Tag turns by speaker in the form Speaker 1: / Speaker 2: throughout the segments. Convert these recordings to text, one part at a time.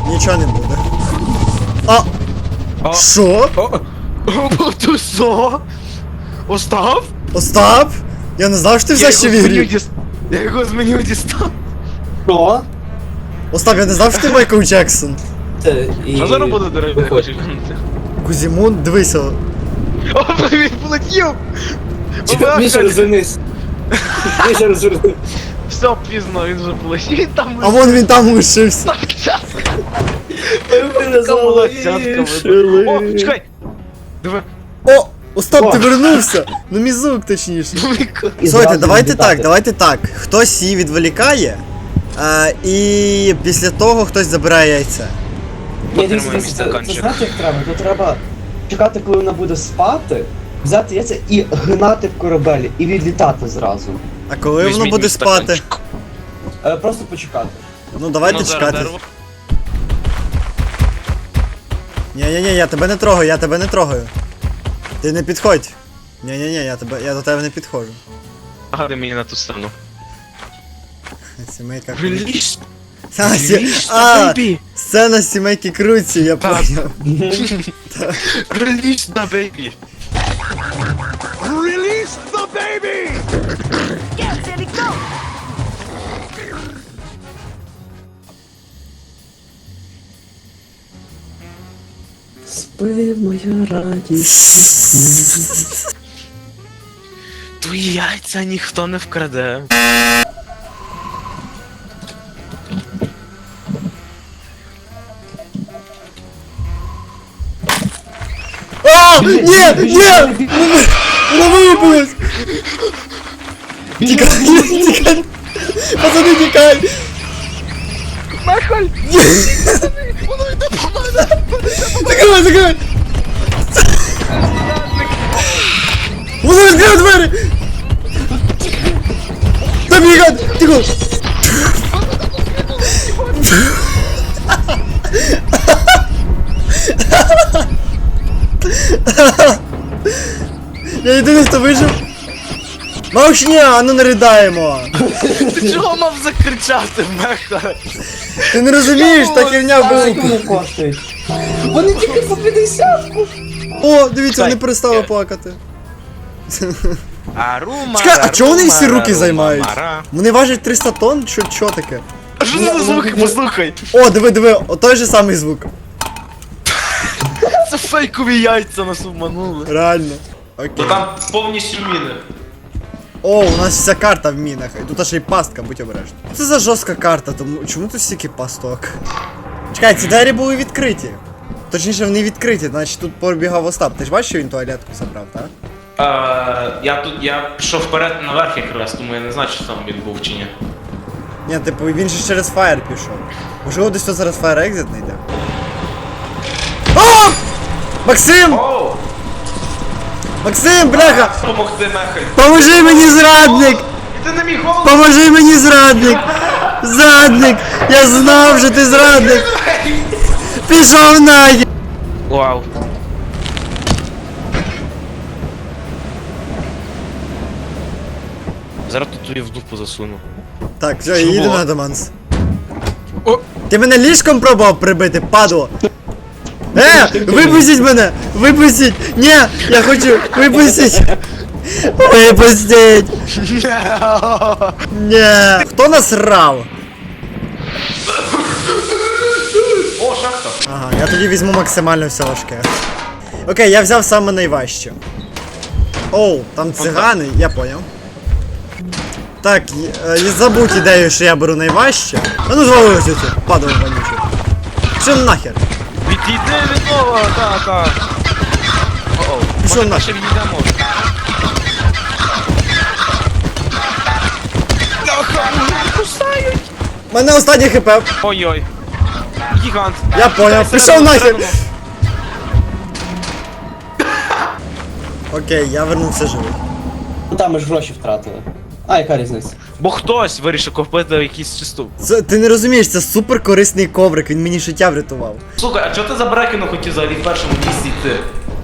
Speaker 1: Нічого не буде. А! Що?
Speaker 2: Ти що? Остап?
Speaker 1: Остап? Я не знав, що ти все ще в ігрі.
Speaker 2: Я його з меню дістав.
Speaker 3: Що?
Speaker 1: Остап, я не знав, що ти Майкл Джексон.
Speaker 3: Це і...
Speaker 2: Що зараз буде, дорогий?
Speaker 3: Виходь.
Speaker 1: Кузімун, дивися.
Speaker 2: О, він полетів!
Speaker 3: Міша, розвернись. Міша, розвернись.
Speaker 2: Все, пізно, він вже полетів. Він там
Speaker 1: А вон він там лишився.
Speaker 2: так час.
Speaker 3: Мене залишили.
Speaker 2: О, чекай! Диви.
Speaker 1: О! Остап, ти вернувся! Ну мізук, точніше.
Speaker 3: І
Speaker 1: Слухайте,
Speaker 3: зразу
Speaker 1: давайте
Speaker 3: відлітати.
Speaker 1: так, давайте так. Хтось її відволікає, і після того хтось забирає яйце.
Speaker 3: Ні, дивіться,
Speaker 2: Потримай
Speaker 3: це
Speaker 2: стаканчик.
Speaker 3: знаєте, як треба? Тут треба чекати, коли вона буде спати, взяти яйця і гнати в корабель, і відлітати зразу.
Speaker 1: А коли воно
Speaker 2: Візьміть
Speaker 1: буде
Speaker 2: мій
Speaker 1: спати?
Speaker 2: стаканчик.
Speaker 3: Просто почекати.
Speaker 1: Ну давайте
Speaker 2: Ну, зараз
Speaker 1: чекати.
Speaker 2: дерево.
Speaker 1: Ні-ні-ні, я тебе не трогаю, я тебе не трогаю. Ти не підходь. Ні-ні-ні, я до тебе не підходжу.
Speaker 2: Гади мені на ту сторону.
Speaker 1: Сімейка.
Speaker 2: Реліз!
Speaker 1: А, сцена сімейки Круці, я
Speaker 2: Так.
Speaker 1: поняв.
Speaker 2: Реліз на бейбі! Реліз на бейбі!
Speaker 3: Спи, моя радість.
Speaker 2: Твої яйця ніхто не вкраде.
Speaker 1: А! Ні! Ні! Воно вилупилось! Тікай! Тікай! Пацани, тікай!
Speaker 2: Нахаль!
Speaker 1: Ні!
Speaker 2: Воно йде по мене!
Speaker 1: Закривай, закривай! Воно відкрив двері! Та бігай! Тихо! Я єдиний, хто вижив. Мовчня, а ну не ридаємо!
Speaker 2: Ти чого мав закричати, Меха?
Speaker 1: Ти не розумієш, та херня
Speaker 3: Скільки
Speaker 1: була.
Speaker 3: вони коштують? Вони тільки по 50-ку.
Speaker 1: О, дивіться,
Speaker 2: Чекай.
Speaker 1: вони перестали плакати.
Speaker 2: Арума,
Speaker 1: Чекай, а чого вони всі руки займають? Вони важать 300 тонн? Що таке?
Speaker 2: А що це за звуки, послухай?
Speaker 1: О, диви, той же самий звук.
Speaker 2: Це фейкові яйця нас обманули.
Speaker 1: Реально. Окей.
Speaker 2: Там повністю міни.
Speaker 1: О, у нас вся карта в мінах. І тут аж і пастка, будь обережний. Це за жорстка карта, тому чому тут стільки пасток? Чекай, ці двері були відкриті. Точніше, вони відкриті, значить тут пробігав Остап. Ти ж бачиш, що він туалетку забрав, так?
Speaker 2: Я пішов вперед наверх якраз, тому я не знаю, чи там він був чи ні.
Speaker 1: Ні, типу, він же через фаєр пішов. Можливо, десь тут зараз фаєр екзит знайде. О! Максим!
Speaker 2: Оу!
Speaker 1: Максим, бляха!
Speaker 2: Помогти нахай!
Speaker 1: Поможи мені, зрадник!
Speaker 2: Ти на мій голову!
Speaker 1: Поможи мені, зрадник! Зрадник! Я знав, що ти зрадник! Пішов нахер!
Speaker 2: Вау. Зараз тут тобі в дупу засуну.
Speaker 1: Так, все,
Speaker 2: Що
Speaker 1: їду
Speaker 2: було?
Speaker 1: на Адаманс.
Speaker 2: О!
Speaker 1: Ти мене ліжком пробував прибити, падло! Випустіть мене! Випустіть! Ні! Я хочу! Випустіть! Випустіть! Ні! Хто насрав?
Speaker 2: О, шахта!
Speaker 1: Ага, я тоді візьму максимально все важке. Окей, я взяв саме найважче. Оу, там цигани, я поняв. Так, забудь ідею, що я беру найважче. А ну звалилось тут, падало вонюче. Що нахер?
Speaker 2: Відійди від нього, так. О-оу,
Speaker 1: Пішов
Speaker 2: може
Speaker 1: нахер.
Speaker 2: ще відійдемо.
Speaker 1: Мене останнє хп.
Speaker 2: Ой-ой. Гігант.
Speaker 1: Я поняв,
Speaker 2: Дай
Speaker 1: пішов нахер.
Speaker 2: всередину.
Speaker 1: Окей, я вернувся живий.
Speaker 3: Ну там ми ж гроші втратили. А, яка різниця?
Speaker 2: Бо хтось вирішив купити якийсь чисту.
Speaker 1: Це, ти не розумієш, це супер корисний коврик, він мені життя врятував.
Speaker 2: Слухай, а чого ти за Брекіну хотів взагалі в першому місці йти?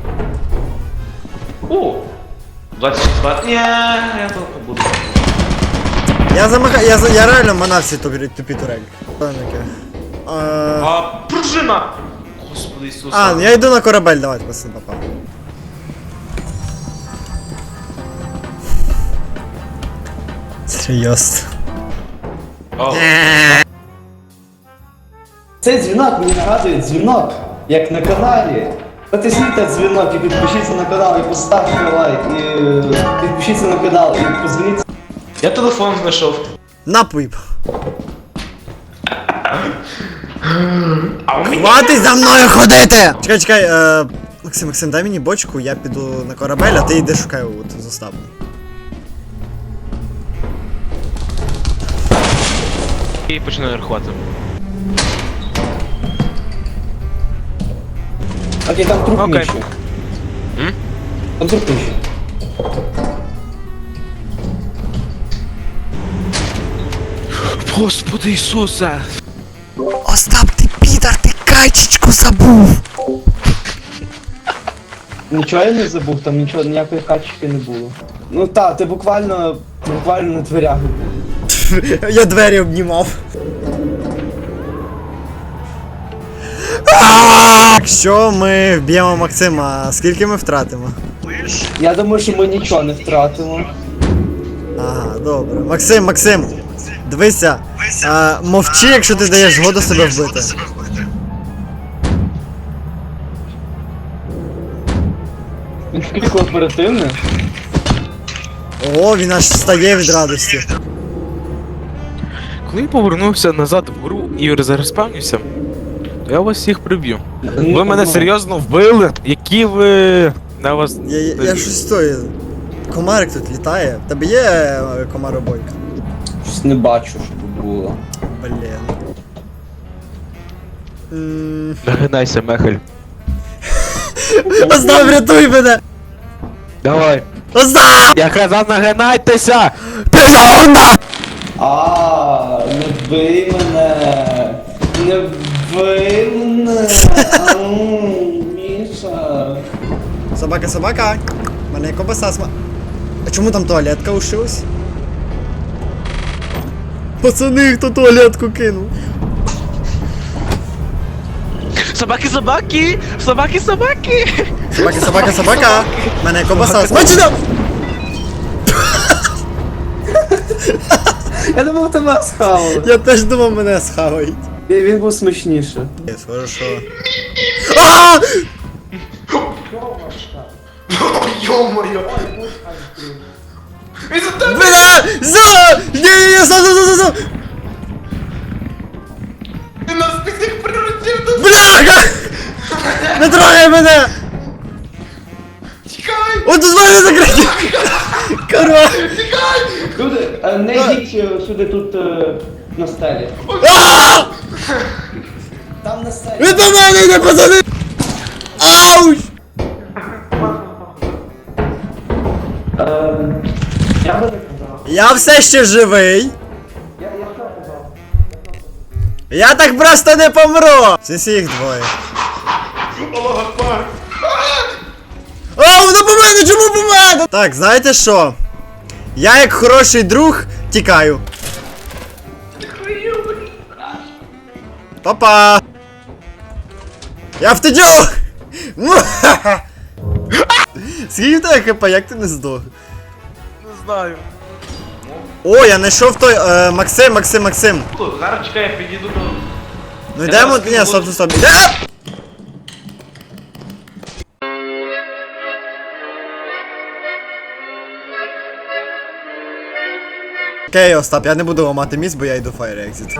Speaker 2: О! 24. Ні, я тут побуду.
Speaker 1: Я реально манав ці тупі турелі. Що таке?
Speaker 2: А машина! Господи Ісусе.
Speaker 1: А, ну я йду на корабель, давайте, пацан, попав. Серйозно.
Speaker 2: О,
Speaker 3: Цей дзвінок мені нагадує дзвінок, як на каналі. Натисніть на дзвінок і підпишіться на канал, і поставте лайк, і підпишіться на канал, і позвоніть.
Speaker 2: я телефон знайшов.
Speaker 1: Напій.
Speaker 2: А у мене...
Speaker 1: Хватить за мною ходити! Чекай, чекай, Максим, дай мені бочку, я піду на корабель, а ти йди шукай от з Остапом.
Speaker 2: І починаю рахувати.
Speaker 3: Окей, там труп
Speaker 2: Окей.
Speaker 3: нижче.
Speaker 2: М?
Speaker 3: Там труп нижче.
Speaker 2: Господи Ісусе!
Speaker 1: Остап, ти підар, ти качечку забув!
Speaker 3: Нічого я не забув, там нічого, ніякої качки не було. Ну так, ти буквально на дверях був.
Speaker 1: Я двері обнімав. Якщо ми вб'ємо Максима, скільки ми втратимо?
Speaker 3: Я думаю, що ми нічого не втратимо.
Speaker 1: Ага, добре. Максим, дивися, мовчи, якщо ти даєш згоду себе вбити.
Speaker 3: Він такий кооперативний.
Speaker 1: О, він аж встає від радості.
Speaker 4: Коли я повернувся назад в гру і розреспавнився, то я вас всіх приб'ю. Ви мене серйозно вбили? Які ви... На вас...
Speaker 1: Я щось стою. Комарик тут літає. В тебе є комаробойка?
Speaker 3: Щось не бачу, що тут було.
Speaker 1: Блін.
Speaker 4: Нагинайся, Мехель.
Speaker 1: Остап, рятуй мене!
Speaker 4: Давай.
Speaker 1: Остап!
Speaker 4: Я казав, нагинайтеся!
Speaker 1: Пішов на!
Speaker 3: Не вбий мене! Не вбий мене! Міша!
Speaker 1: Собака! Мене кобаса сма... А чому там туалетка ушилась? Пацани, хто туалетку кинув?
Speaker 4: Собаки! Собаки!
Speaker 1: Собака! Мене кобаса смачена!
Speaker 3: Я думав, тебе схавали.
Speaker 1: Я теж думав, мене схавають.
Speaker 3: Він був смачніше.
Speaker 1: Хорошо. А!
Speaker 2: Йо-моє! Він за тебе!
Speaker 1: Бля! Ні, за!
Speaker 2: Він нас всіх приручив до...
Speaker 1: Бляха! Не трогай мене!
Speaker 2: Тікай!
Speaker 1: От тут мене закриті! Корова!
Speaker 3: Люди, не йдіть сюди тут на стелі.
Speaker 1: А!
Speaker 3: Там на стелі.
Speaker 1: Від мене йде, пацани! Ауч!
Speaker 3: Я би не казав.
Speaker 1: Я все ще живий. Я так просто не помру! Всі їх двоє. О, воно по мене, чому по мене? Так, знаєте що? Я як хороший друг тікаю. Папа! Я втечу! Муа-ха-ха! Скільки в тебе хп, як ти не здох?
Speaker 4: Не знаю.
Speaker 1: О, я знайшов той, Максим.
Speaker 2: Зараз чекай, я підійду до...
Speaker 1: Ну йдемо,
Speaker 2: зараз
Speaker 1: ні,
Speaker 2: скину
Speaker 1: стоп. Окей, Остап, я не буду ламати міст, бо я йду Fire Exit.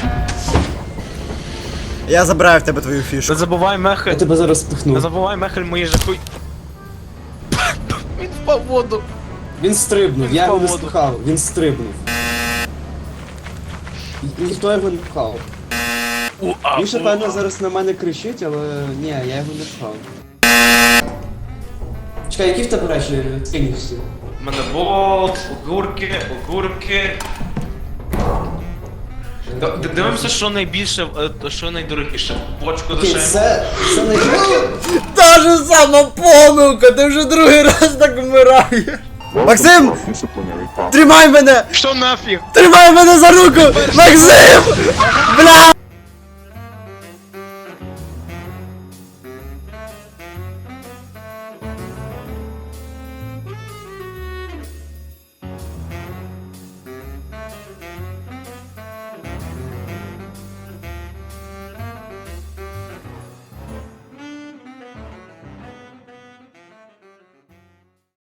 Speaker 1: Я забираю в тебе твою фішку.
Speaker 4: Не забувай, Мехель.
Speaker 3: Я тебе зараз
Speaker 4: Не
Speaker 3: спихну.
Speaker 4: забувай, Мехель, мої жахуй. Він впав в воду.
Speaker 3: Він стрибнув, я його не
Speaker 4: Свободу.
Speaker 3: спихав, він стрибнув. Ніхто його не пхав. Він ще певно зараз на мене кричить, але ні, я його не пхав. Чекай, які в тебе речі скинешся?
Speaker 2: У мене болт, огурки. Дивимося, що найбільше, що найдорогіше. Бочку
Speaker 3: Окей,
Speaker 2: дешевше.
Speaker 3: це найбільше.
Speaker 1: Та ж сама помилка, ти вже другий раз так вмираєш. Максим! Тримай мене!
Speaker 4: Що нафіг?
Speaker 1: Тримай мене за руку! Максим! Бля!